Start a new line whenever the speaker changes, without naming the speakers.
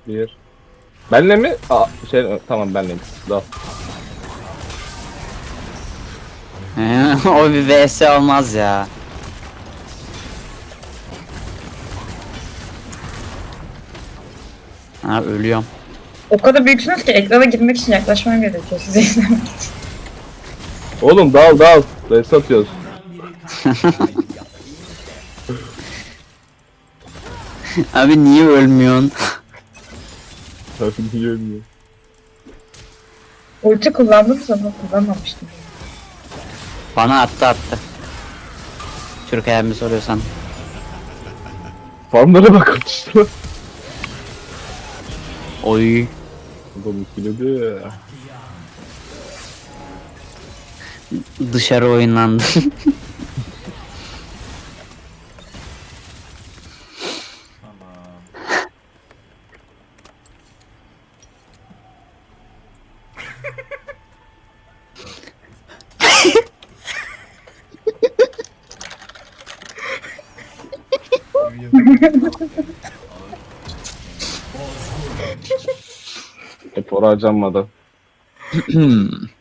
Bir. Benle mi? Aa, şey tamam benleyim. Dal.
O bir vs olmaz ya. Ha ölüyorum.
O kadar büyüksünüz ki ekrana girmek için yaklaşmam gerekiyor size izlemek için.
Oğlum dal dal. Res atıyoruz.
Abi niye ölmüyorsun?
Tabii niye ölmüyor?
Ulti kullandınız ama kullanmamıştım.
Bana attı. Türk ayağımı soruyorsan.
Farmlara bak işte.
Oy.
Adam ikiledi.
Dışarı oynandı.
Hep oraya harcanmadı.